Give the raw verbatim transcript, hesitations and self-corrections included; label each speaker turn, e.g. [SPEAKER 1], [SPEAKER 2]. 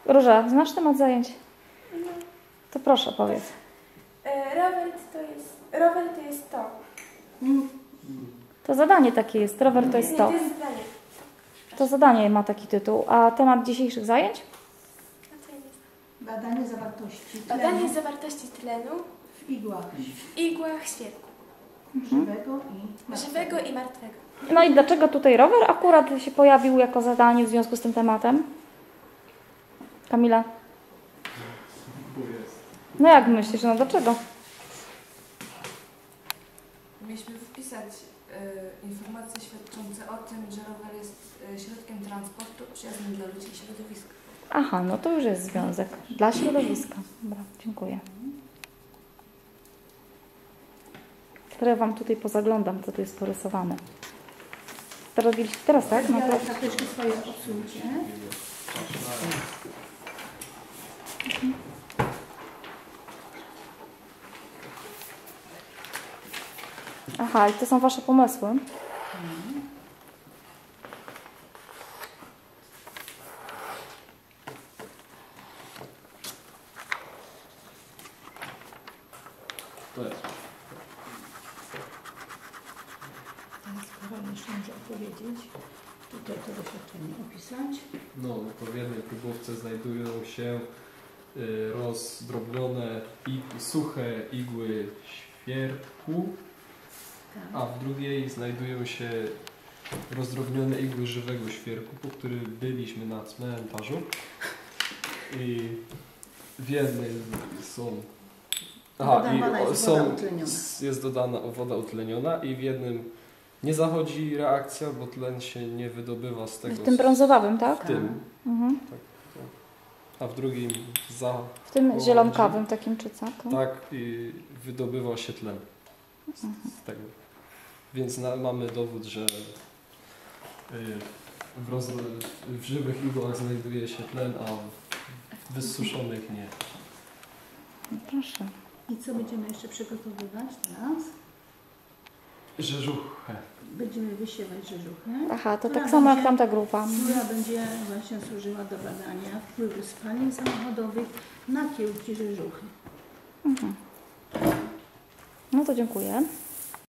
[SPEAKER 1] Róża, znasz temat zajęć?
[SPEAKER 2] No.
[SPEAKER 1] To proszę, powiedz.
[SPEAKER 2] E, rower to jest, rower to jest to.
[SPEAKER 3] Mm.
[SPEAKER 1] To zadanie takie jest. Rower to jest
[SPEAKER 2] Nie,
[SPEAKER 1] to.
[SPEAKER 2] to jest zadanie.
[SPEAKER 1] To zadanie ma taki tytuł. A temat dzisiejszych zajęć?
[SPEAKER 2] A co jest?
[SPEAKER 3] Badanie zawartości
[SPEAKER 2] Badanie
[SPEAKER 3] tlenu
[SPEAKER 2] zawartości tlenu
[SPEAKER 3] w igłach
[SPEAKER 2] w igłach świerku.
[SPEAKER 3] żywego i martwego.
[SPEAKER 2] Żywego i martwego.
[SPEAKER 1] No i dlaczego tutaj rower akurat się pojawił jako zadanie w związku z tym tematem? Kamila? No jak myślisz? No dlaczego?
[SPEAKER 4] Mieliśmy wpisać y, informacje świadczące o tym, że rower jest y, środkiem transportu przyjaznym dla ludzi i środowiska.
[SPEAKER 1] Aha, no to już jest związek. Dla środowiska. Dobra, dziękuję. Teraz Wam tutaj pozaglądam, co tu jest porysowane. Teraz, teraz tak? No to...
[SPEAKER 3] Karteczki swoje odsuńcie.
[SPEAKER 1] Aha, i to są Wasze pomysły?
[SPEAKER 5] To jest.
[SPEAKER 3] Teraz Karol jeszcze może opowiedzieć. Tutaj to doświadczenie opisać.
[SPEAKER 5] No, w jednej próbówce znajdują się y, rozdrobnione i suche igły świerku,
[SPEAKER 3] Tak.
[SPEAKER 5] a w drugiej znajdują się rozdrobnione igły żywego świerku, po których byliśmy na cmentarzu. I w jednej są... Aha,
[SPEAKER 3] Dodawana
[SPEAKER 5] i o,
[SPEAKER 3] jest woda
[SPEAKER 5] są,
[SPEAKER 3] utleniona.
[SPEAKER 5] jest dodana woda utleniona i w jednym nie zachodzi reakcja, bo tlen się nie wydobywa z tego.
[SPEAKER 1] W tym brązowym, tak?
[SPEAKER 5] W tym.
[SPEAKER 1] Mhm.
[SPEAKER 5] Tak, tak. A w drugim za.
[SPEAKER 1] W tym
[SPEAKER 5] Połodzi.
[SPEAKER 1] zielonkawym takim czy co? To?
[SPEAKER 5] Tak, i wydobywa się tlen z, z tego. Więc na, mamy dowód, że y, w, roz, w żywych igłach znajduje się tlen, a w wysuszonych nie.
[SPEAKER 1] No proszę.
[SPEAKER 3] I co będziemy jeszcze przygotowywać teraz?
[SPEAKER 5] Rzeżuchę.
[SPEAKER 3] Będziemy wysiewać rzeżuchę.
[SPEAKER 1] Aha, to
[SPEAKER 3] która
[SPEAKER 1] tak samo jak
[SPEAKER 3] będzie-
[SPEAKER 1] tamta grupa.
[SPEAKER 3] Która będzie właśnie służyła do badania wpływu spalin samochodowych na kiełki rzeżuchy.
[SPEAKER 1] Mhm. No to dziękuję.